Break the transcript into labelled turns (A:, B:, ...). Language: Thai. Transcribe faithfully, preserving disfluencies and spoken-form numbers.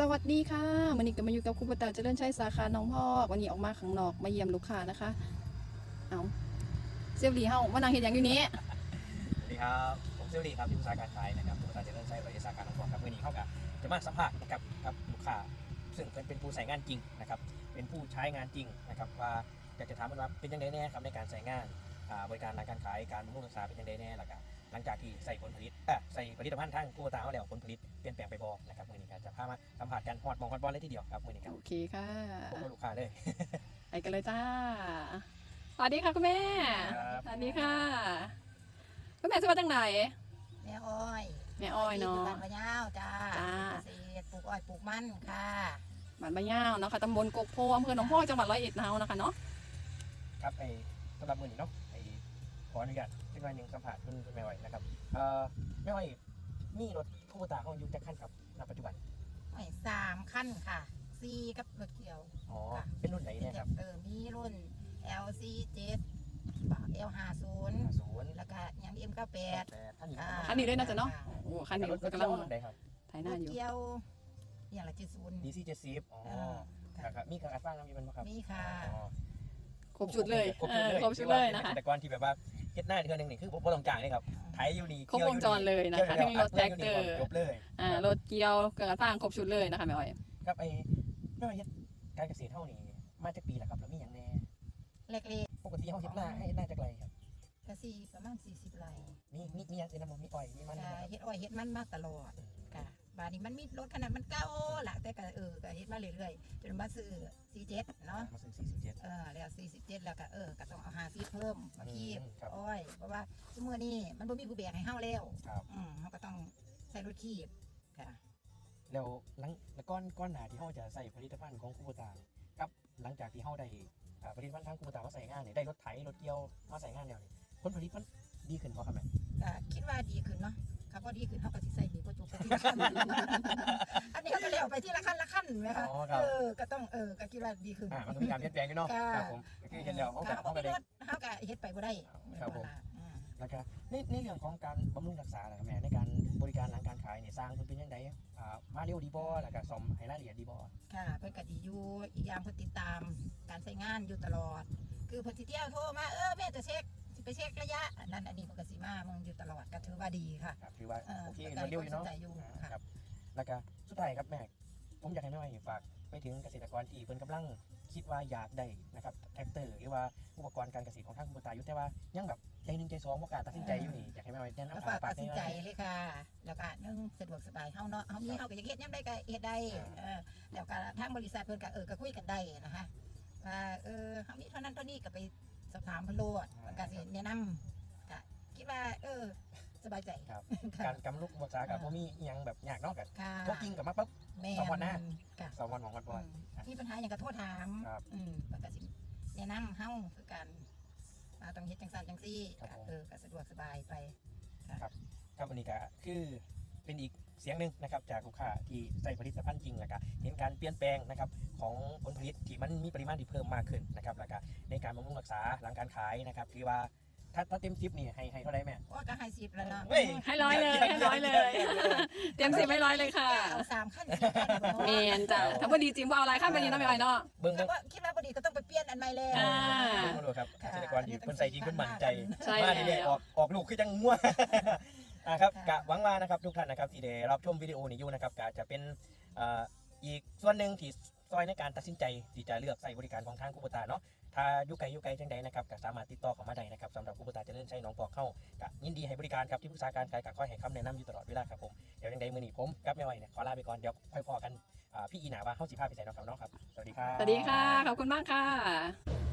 A: วัสดีค่ะวันนี้ก็มาอยู่กับครูปตาเจริญชัยสาขาหนองพอกวันนี้ออกมาข้างนอกมาเยี่ยมลูกค้านะคะเอาเซลลีเฮามานั่งเห็นอย่างอยู่นี้
B: สวัสดีครับผมเซลลีครับที่ปรึกษาการขายนะครับครูปตาเจริญชัยบริษัทสาขาหนองพอกครับวันนี้เข้ากับจะมาสัมภาษณ์นะครับกับลูกค้าซึ่งเป็นเป็นผู้ใช้งานจริงนะครับเป็นผู้ใช้งานจริงนะครับว่าอยากจะถามว่าเป็นยังไงแน่ครับในการใช้งานบริการหลังการขายการบำรุงรักษาเป็นยังไงแน่หลังจากหลังจากที่ใส่ผลผลิตเอ่อใส่ผลิตภัณฑ์ทางครูปตาเอาแล้วผลผลิตเปลี่ยนแปลงไปบ่นะครับวันนี้จะพามาสัมผัสกันฮอดมองฮอดบอลเลยทีเดียวครับวันนี้ครับ
A: โอเคค่ะ
B: ผมกับลูกค้าเลย
A: ไปกันเลยจ้าสวัสดีค่ะคุณแม่สวัสดีค่ะคุณแม่ชื่อว่าจังไหน
C: แม่อ้อย
A: แม่อ้อยเนาะ
C: บ้านมะยาวจ้าเกษตรปลูกอ้อยปลูกมันค่ะ
A: บ้านมะยาวเนาะค่ะตำบลกกโพอำเภอหนองพอกจังหวัดร้อยเอ็ดเนาะนะคะเนาะ
B: ครับไอ้สำหรับมือนี้เนาะไอ้ขออนุญาตที่วันหนึ่งสัมผัสคุณแม่อ้อยนะครับเอ่อแม่อ้อยมีรถครูปตาเขาอยู่จากขั้นกับณปัจจุบัน
C: อ้อยสามขั้นค่ะสี่กับรถเกี่ยว
B: อ๋อเป็นรุ่นไหนเนี่ยครับ
C: เออมีรุ่น แอล ซี เจ็ด แอล ห้าสิบ แล้วก็ยัง เอ็ม เก้าสิบแปด
A: คันนี้ด้วยนะจ๊ะเนาะโอ้คันนี้กำลังถ่ายหน้าอยู่
C: เกี่ยวอย่างละเจ็ดศูนย์
B: ดี ซี เจ็ดสิบอ๋อครับมีการอัดฟังมีมันไหมครับ
C: มีค่ะ
A: ครบชุดเลยครบชุดเลยนะคะ
B: แต่ก่อนที่แบบว่าเฮ็ดหน้าเดือนหนึ่งนี่คือผมต้องจ่ายเลยครับไถอยู่นี่
A: ครบวงจรเลยนะคะทั้งรถแท็กเตอร์
B: จบเลย
A: อ่ารถเกี่ยวกระทั่งครบชุดเลยนะคะแม่อ้อย
B: ครับไอ้แม่อ้อยเฮ็ดการเกษตรเท่านี้มาจากปีแหละครับแล้วมีอย่างแน่
C: เล็ก
B: ๆปกติเฮาเฮ็ดหน้าให้หน้าจากไรครับ
C: กะสี่ประมาณสี่สิบไร่
B: มีมีมีอย่างอื่นนะมีอ้อยมีมัน
C: เฮ็ดอ้อยเฮ็ดมันมาตลอดค่ะบาดนี้มันมีรถขนาดมันเก่าล่ะแต่ก็เออก็เฮ็ดมาเรื่อยๆจนมาซื้อสี่สิบเจ็ดเนาะ
B: มาซื้อสี่สิบเจ็ด
C: เออแล้วสี่สิบเจ็ดแล้วก็เออก็ต้องเอาห้าสิบเพิ่มมาคีบอ้อยเพราะว่าชั่วโมงนี้มันบ่มีผู้แบกให้เฮาแล้วอืมเฮาก็ต้องใช้รถคีบค่ะ
B: แล้วหลังแล้วก้อนก้อนหนาที่เฮาจะใส่ผลิตภัณฑ์ของครูปตาครับหลังจากที่เฮาได้ผลิตภัณฑ์ทางครูปตามาใส่งานเนี่ยได้รถไถรถเกี่ยวมาใส่งานแล้วนี่ผลผลิตมันดีขึ้นบ่ครับแม่
C: ก็คิดว่าดีขึ้นเนาะครับพอดีขึ้นเขาก็สิใส่ดีกว่าจุกทีละขั้นอันนี้เขาก็เลี้ยวไปที่ละขั้นละขั้นนะคะเออก็ต้องเออก็คิดว่าดีขึ้น
B: อ่ามันต้องมีการเปลี่ยนแปลงอยู่เนาะครับผมคือเห็นแล้วเขาก็เขาก็ได้
C: เขาก็เฮ็ดไปบ่ได้
B: ครับผมแล้วก็ในในเรื่องของการบำรุงรักษาแม่ในการบริการหลังการขายเนี่ยสร้างเพิ่นเป็นยังไงอ่ามาเร็วดีบ่แล้วก็ซ่อมให้รายละเอียดดีบ่
C: ค่ะเพิ่นก็ดีอยู่อีกอย่างเพิ่นติดตามการใช้งานอยู่ตลอดคือเพิ่นสิเที่ยวโทรมาเออแม่จะเช็คไปเช็คระยะนั่นอันนี้มันก็สิมามึงอยู่ตลอดก็ถือว่าดีค่ะ
B: ครับถือว่าโอเคมันเร็วอยู่เนาะครับแล้วก็สุดท้ายครับแม่ผมอยากให้แม่ฝากไปถึงเกษตรกรที่เพิ่นกำลังคิดว่าอยากได้นะครับแท็กเตอร์หรือว่าอุปกรณ์การเกษตรของทางครูปตาอยู่แต่ว่ายังแบบใจหนึ่งใจสองบ่กล้าตัดสินใจอยู่นี่อยากให้แม่แนะนำ
C: ฝากตัดสินใจเลยค่ะแล้วก็นึ่งสะดวกสบายเฮาเนาะเฮามีเฮาก็อยากเฮ็ดยามใดก็เฮ็ดได้เออแล้วก็ทางบริษัทเพิ่นก็เออก็คุยกันได้นะคะว่าเออเฮามีเท่านั้นเท่านี้ก็ไปสอบถามเพิ่นโลดก็สิแนะนำก็คิดว่าเออสบายใจ
B: ครับการกำลุกภาษากับบ่มีอีหยังแบบยากเนาะก็
C: พ
B: วกจริงกับมาปั๊บสองวันหน้าสองวันของวันบ่
C: ที่ปัญหาอย่างก็โทษถามอืมก็สิแนะนำเฮาคือการมาต้องเฮ็ดจังซั่นจังซี่เออก็สะดวกสบายไป
B: ครับครับวันนี้ก็คือเป็นอีกเสียงหนึ่งนะครับจากลูกค้าที่ใส่ผลิตภัณฑ์จริงแล้วก็เห็นการเปลี่ยนแปลงนะครับของผลผลิตที่มันมีปริมาณที่เพิ่มมากขึ้นนะครับแล้วก็ในการบำรุงรักษาหลังการขายนะครับคือว่าถ้าถ้าเต็มสิบนี่ให้ให้เท่าไรแม่
C: ว่าก็ให้สิบแล้วเนาะ
A: ให้ร้อยเลยให้ร้อยเลยเต็มสิบให้ร้อยเลยค่ะ
C: สามขั้นสี่ขั้น
A: เมนจ้ะถ้าพอดีจริงว่าเอาอะไรขั้นไปนี้ต้องไปอะไรเนาะ
C: เบิ่งว่าคิดว่าพอดีก็ต้องไปเปลี่ยนอันใหม่แล้ว
B: มาดูครับเกษตรกรที่คนใส่จริงคนมั่นใจมาดีเลยออกออกลูกคือจังงัวนะครับกะหวังว่านะครับทุกท่านนะครับที่ได้รับชมวิดีโอนี้อยู่นะครับกะจะเป็นอีกส่วนหนึ่งที่ซอยในการตัดสินใจที่จะเลือกใส่บริการของทางครูปตาเนาะถ้ายุไกยุไกจังใดนะครับก็สามารถติดต่อเข้ามาได้นะครับสำหรับครูปตาเจริญชัยหนองพอกเข้าก็ยินดีให้บริการครับที่ปรึกษาการขายกับคอยให้คำแนะนำอยู่ตลอดเวลาครับผมเดี๋ยวจังใดมื้อนี้ผมกับแม่อ้อยเนี่ยขอลาไปก่อนเดี๋ยวค่อยพอกันพี่อีหนาว่าเฮาสิพาไปใส่น้องครับเนาะครับสวัสดีครับ
A: สวัสดีค่ะขอบคุณมากค่ะ